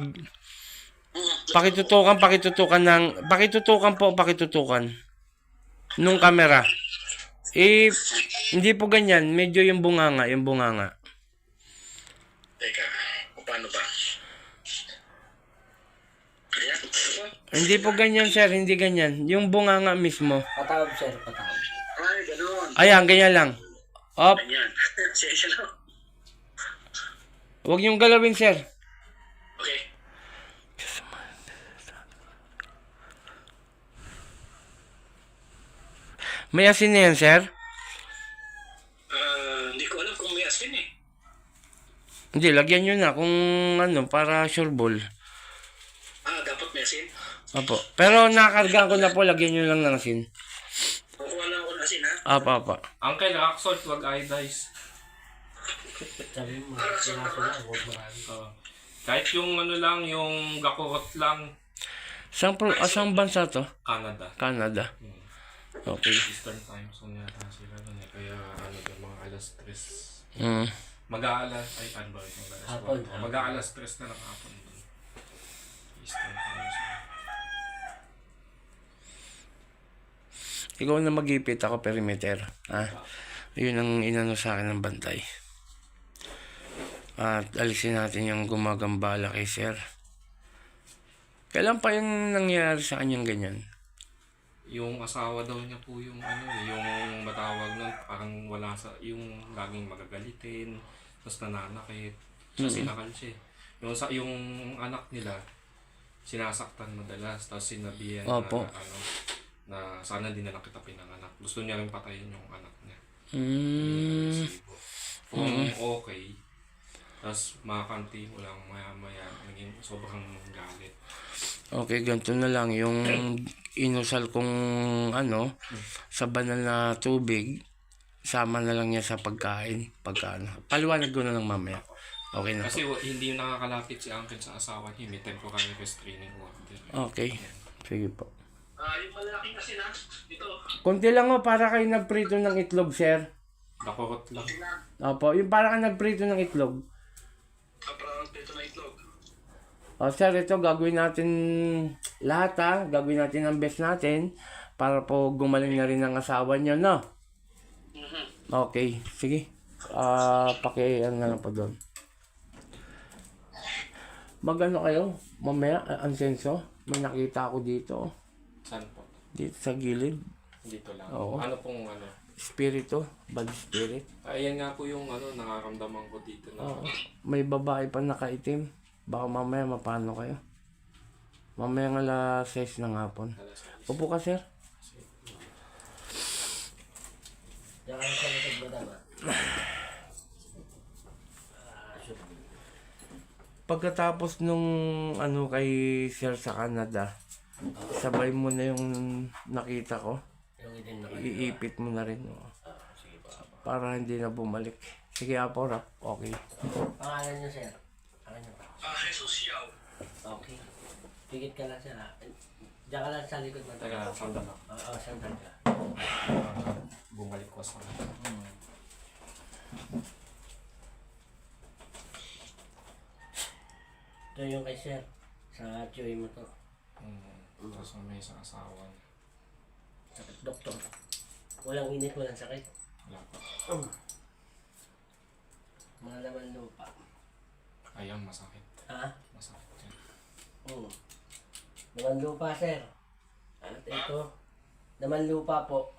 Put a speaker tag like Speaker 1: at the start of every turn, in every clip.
Speaker 1: pakitutukan nung camera. Hindi po ganyan, medyo yung bunganga.
Speaker 2: Teka, paano ba? Ayan.
Speaker 1: Hindi po ganyan, sir, hindi ganyan. Yung bunganga mismo.
Speaker 3: Patawag, sir, patawag.
Speaker 2: Ay, ganun.
Speaker 1: Ayan, ganyan lang. Op,
Speaker 2: Ganyan. Session lang.
Speaker 1: huwag niyong galawin, sir.
Speaker 2: Okay.
Speaker 1: May asin na yan, sir?
Speaker 2: Hindi ko alam kung may asin eh.
Speaker 1: Hindi, lagyan nyo na kung para sure ball.
Speaker 2: Dapat may asin.
Speaker 1: Opo. Pero nakarga ko na po, lagyan nyo lang ng asin.
Speaker 2: Kukuha lang ako ng asin ha.
Speaker 1: Apa.
Speaker 4: Uncle, rock salt, wag iodize.
Speaker 3: Sabi mo, sinaso lang, huwag marami.
Speaker 4: Kahit yung lang, yung gakurot lang,
Speaker 1: Asang bansa to?
Speaker 4: Canada.
Speaker 1: Canada. Okay.
Speaker 4: Eastern time zone yata sila nun eh. Kaya mga alas 3.
Speaker 1: Mm.
Speaker 4: Mag-aalas, ano ba yung alas 4? Mag-aalas 3 na ng hapon dun. Eastern time zone.
Speaker 1: Ikaw na mag-ipit, ako perimeter. Yun ang inano sa akin ng bantay. At alisin natin yung gumagambala kay sir. Kailan pa yung nangyari sa kanyang ganyan?
Speaker 4: Yung asawa daw niya po yung yung matawag nun, parang wala yung laging magagalitin, tapos nananakit, sinakal siya. Yung anak nila, sinasaktan madalas, tapos sinabihan
Speaker 1: Opo.
Speaker 4: na sana din na lang kita pinanganak. Gusto niya rin patayin yung anak niya. Kung okay, tapos makakanti mo lang maya-maya, naging sobrang galit.
Speaker 1: Okay, ganito na lang. Yung inusal kong sa banal na tubig, sama na lang niya sa pagkain. Paliwanag ko na lang mamaya. Okay na
Speaker 4: Kasi
Speaker 1: po.
Speaker 4: hindi nakakalapit si Uncle sa asawa niya, may temporary restraining order.
Speaker 1: Okay, sige po.
Speaker 2: Yung malaking asin ha. Ito.
Speaker 1: Kunti lang para kayo nagprito ng itlog, sir.
Speaker 4: Gakurot lang.
Speaker 1: Opo, yung para kayo nagprito ng itlog.
Speaker 2: Parang dito na itlog.
Speaker 1: Sir, ito gagawin natin lahat Gagawin natin ang best natin para po gumaling na rin ang asawa niyo, no? Okay, sige. Na lang po doon. Magano kayo? Mamaya, ansenso? May nakita ako dito.
Speaker 4: Saan po?
Speaker 1: Dito sa gilid.
Speaker 4: Dito lang.
Speaker 1: Oo.
Speaker 4: Ano pong
Speaker 1: Spirito. Bad spirit.
Speaker 4: Ayan nga po yung nakaramdaman ko dito na.
Speaker 1: Oo. May babae pa nakaitim. Baka mamaya mapano kayo. Mamaya nga alas 6 ng hapon. Upo ka, sir.
Speaker 3: Diyan ka lang sa likod mo tama.
Speaker 1: Pagkatapos nung kay sir sa Canada, sabay mo na yung nakita ko.
Speaker 3: Yung itim na
Speaker 1: Iipit mo na rin.
Speaker 3: sige pa.
Speaker 1: Para hindi na bumalik. Sige, Apo, rap. Okay.
Speaker 3: Pangalan niyo, sir? Ano niyo?
Speaker 2: Jesus Yao.
Speaker 3: Okay. Pigit ka lang, sir. Diyan ka lang sa likod mo.
Speaker 4: Teka, sandal lang.
Speaker 3: Oo, sandal ka.
Speaker 4: Bumalik ko sa
Speaker 3: Ito yung kay sir. Sa tiyoy mo to.
Speaker 4: Tapos may isang asawa niya.
Speaker 3: Sakit, doktor. Walang init, walang sakit.
Speaker 4: Wala pa.
Speaker 3: Mga laman lupa.
Speaker 4: Ayan, masakit.
Speaker 3: Ha?
Speaker 4: Masakit yan.
Speaker 3: Laman lupa, sir. At ito, laman lupa po.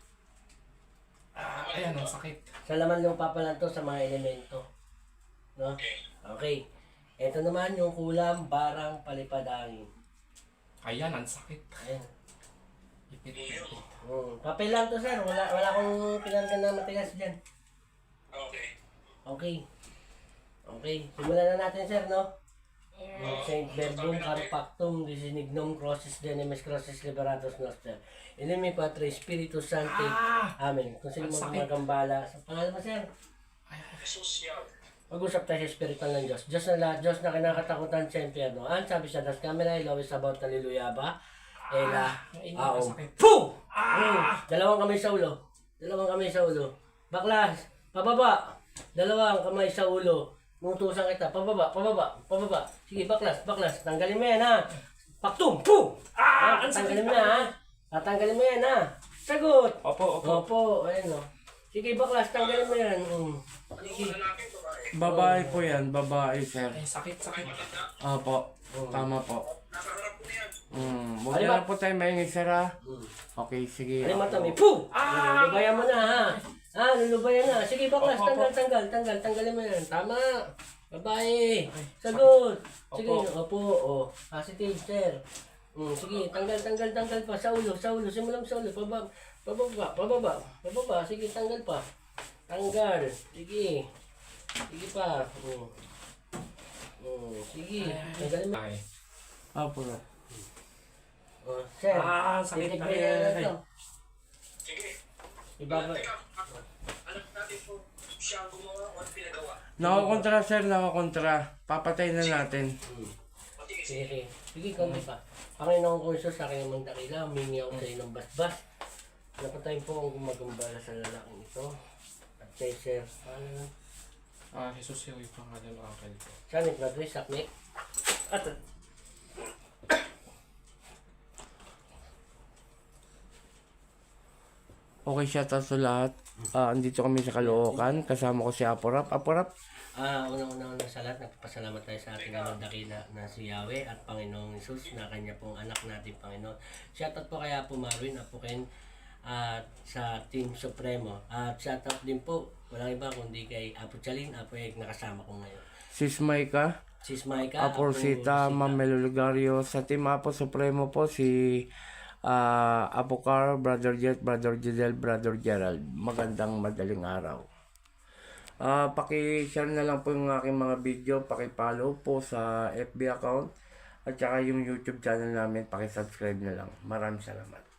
Speaker 4: Ayan, ang sakit.
Speaker 3: Sa laman lupa pa lang to sa mga elemento. No? Okay. Ito naman yung kulam, barang, palipadangin.
Speaker 4: Ayan, ang sakit.
Speaker 3: Ayan.
Speaker 4: Ipit.
Speaker 3: Papel lang to, sir. Wala akong pinarga na matigas dyan.
Speaker 2: Okay.
Speaker 3: Okay. Okay. Simulan na natin, sir, no? Saint Verbum Carpactum Disinignum Crossis Denemes Crossis Liberatus Noster. Inimi Patre Spiritus Sancti. Amen. Kung sino mo magambala. Sa pangalan mo, sir?
Speaker 2: Jesus Yao.
Speaker 3: Mag-usap tayo sa espirital ng Diyos. Diyos na lahat, Diyos na kinakatakutan sa impyerno. Ang sabi sa Das Camera, Ilawis about Hallelujah ba? Ela, aom. Puh! Dalawang kamay sa ulo. Dalawang kamay sa ulo. Baklas, pababa. Dalawang kamay sa ulo. Nutusan kita. Pababa, pababa, pababa. Sige, baklas, baklas. Tanggalin mo yan, ha? Paktum! Puh! Tanggalin mo na, ha? Tatanggalin mo yan, ha? Sagot!
Speaker 4: Opo, opo.
Speaker 3: Opo, ayun, o. Sige, baklas, tanggalin mo yan. Sige.
Speaker 2: Lalaki, babae.
Speaker 1: Babae po yan, babae, sir.
Speaker 4: Ay, sakit, sakit.
Speaker 1: Opo, tama po.
Speaker 2: Nakaharap ko na yan.
Speaker 1: Huwag na lang po tayo maingay, sir, ha? Okay, sige.
Speaker 3: Ano mata may puh! Lulubayan mo na, ha? Lulubayan na. Sige, baklas, tanggalin mo yan. Tama. Babae. Sagot. Sige, opo, o. Positive, sir. Sige, tanggal pa. Sa ulo. Simulan sa ulo. Pababa. Sige, tanggal pa. Tanggal. Sige. Sige pa. Sige. Tanggalin mo.
Speaker 4: Ay.
Speaker 1: Opo.
Speaker 3: Sir.
Speaker 4: Sakit.
Speaker 3: titignan na lang to.
Speaker 2: Sige.
Speaker 3: Ibaba.
Speaker 2: Teka, alam natin kung siya ang gumawa o ang pinagawa.
Speaker 1: Nakakontra, sir, nakakontra. Papatay na natin.
Speaker 2: Matigis.
Speaker 3: Sige, konti pa. Panginoon ko Isus, sa aking namang dakila, humingi ako sa inong basbas. Napatayin po ang gumagambala sa lalaking ito. At kay Sir,
Speaker 4: Jesus yung pangalan ng uncle ko.
Speaker 3: Sanik Madrid, Saknik. At
Speaker 1: Okay, shout out sa lahat. Andito kami sa Caloocan. Kasama ko si Aporap. Aporap,
Speaker 3: unang-una sa lahat, nagpapasalamat tayo sa ating namang dakila na si Yahweh at Panginoong Isus na kanya pong anak natin, Panginoon. Shoutout po kay Apo Marvin, Apo Ken, at sa Team Supremo. At shoutout din po, walang iba kundi kay Apo Chalin, Apo Ek, nakasama ko ngayon.
Speaker 1: Sis Maika,
Speaker 3: Sis Maika,
Speaker 1: Apo Rosita, Ma'am Melo Lugario. Sa Team Apo Supremo po si Apo Carl, Brother Jet, Brother Jidel, Brother Gerald. Magandang madaling araw. Paki-share na lang po yung aking mga video, paki-follow po sa FB account at saka yung YouTube channel namin, paki-subscribe na lang. Maraming salamat.